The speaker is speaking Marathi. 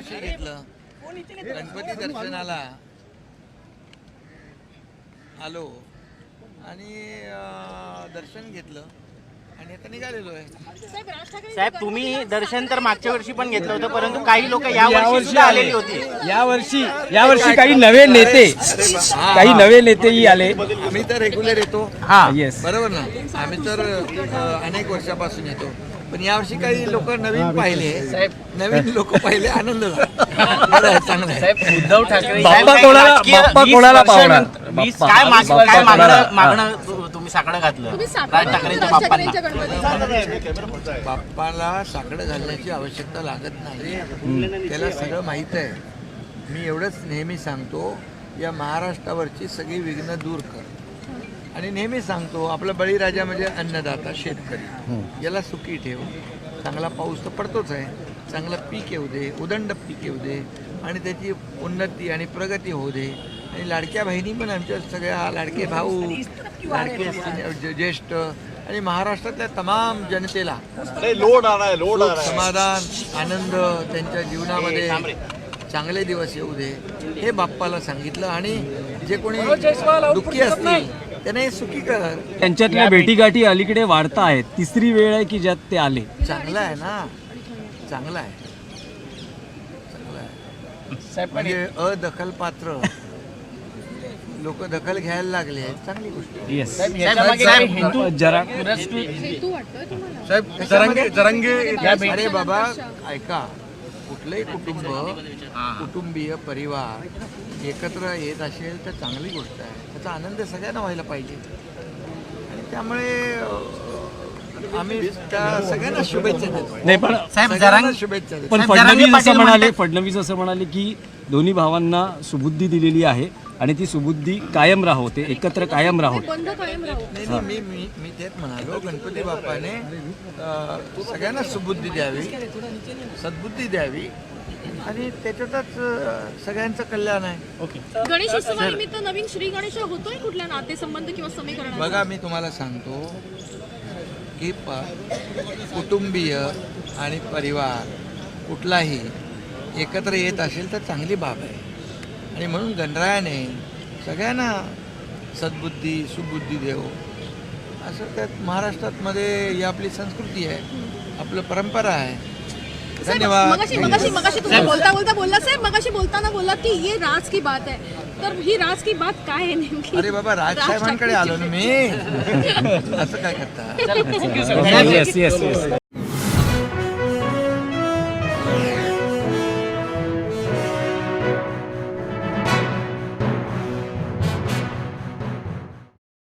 दर्शन घेतलं, गणपती दर्शनाला आलो आणि दर्शन घेतलं आणि आता निघालेलो आहे. साहेब तुम्ही दर्शन तर मागच्या वर्षी पण घेतलं होतं, परंतु काही लोक यावर्षी आलेली होती. यावर्षी काही नवे नेतेही आले. आम्ही तर रेग्युलर येतो. येस, बरोबर ना. आम्ही तर अनेक वर्षापासून येतो, पण यावर्षी काही लोक नवीन पाहिले. नवीन लोक पाहिले, आनंद झाला. बरं आहे, चांगलं आहे. उद्धव ठाकरे बाप्पा कोणाला पावणार? काय मागणं तुम्ही साकडं घातलं राज ठाकरेंच्या बाप्पांना? बाप्पाला साकडं घालण्याची आवश्यकता लागत नाही, त्याला सगळं माहीत आहे. मी एवढंच नेहमी सांगतो, या महाराष्ट्रावरची सगळी विघ्न दूर कर. आणि नेहमी सांगतो, आपला बळीराजा म्हणजे अन्नदाता शेतकरी, याला सुखी ठेव. चांगला पाऊस तर पडतोच आहे, चांगलं पीक येऊ दे, उदंड पीक येऊ दे आणि त्याची उन्नती आणि प्रगती होऊ दे. आणि लाडक्या बहिणी पण आमच्या सगळ्या, लाडके भाऊ, लाडके ज्येष्ठ आणि महाराष्ट्रातल्या तमाम जनतेला समाधान, आनंद, त्यांच्या जीवनामध्ये चांगले दिवस येऊ दे, हे बाप्पाला सांगितलं. आणि जे कोणी दुःखी असतील त्यांना हे सुखी कर. त्यांच्यातल्या भेटीगाठी अलीकडे वाढता आहेत. तिसरी वेळ आहे की ज्यात ते आले. चांगलं आहे ना, चांगलं आहे, चांगलं आहे. म्हणजे अदखल पात्र लोक दखल घ्यायला लागले, चांगली गोष्ट आहे. येस, अरे बाबा ऐका, कुठलंही कुटुंबीय परिवार एकत्र येत असेल तर चांगली गोष्ट आहे. त्याचा आनंद सगळ्यांना व्हायला पाहिजे. आणि त्यामुळे आम्ही त्या सगळ्यांना शुभेच्छा देतो. नाही पण सगळ्यांना शुभेच्छा देतो. पण फडणवीस असं म्हणाले की दोन्ही भावांना सुबुद्धी दिलेली आहे आणि ती सुबुद्धी कायम राहोते, एकत्र कायम राहोते. नाही, मी तेच म्हणालो, गणपती बाप्पाने सगळ्यांना सुबुद्धी द्यावी, सद्बुद्धी द्यावी आणि त्याच्यातच सगळ्यांचं कल्याण आहे. गणेश उत्सवानिमित्त नवीन श्री गणेश होतोय कुठल्या नातेसंबंध किंवा समीकरण? बघा, मी तुम्हाला सांगतो की कुटुंबीय आणि परिवार कुठलाही एकत्र येत असेल तर चांगली बाब आहे. आणि म्हणून गणरायाने सगळ्यांना सद्बुद्धी, सुबुद्धी देव, असं त्यात महाराष्ट्रामध्ये ही आपली संस्कृती आहे, आपलं परंपरा आहे. धन्यवाद. मगाशी तुम्ही बोलला साहेब, मगाशी बोलताना बोलला की ये राज की बात है, तर ही राज की बात काय आहे नेमकी? अरे बाबा, राजसाहेबांकडे आलो ना मी. असं काय करता? येस.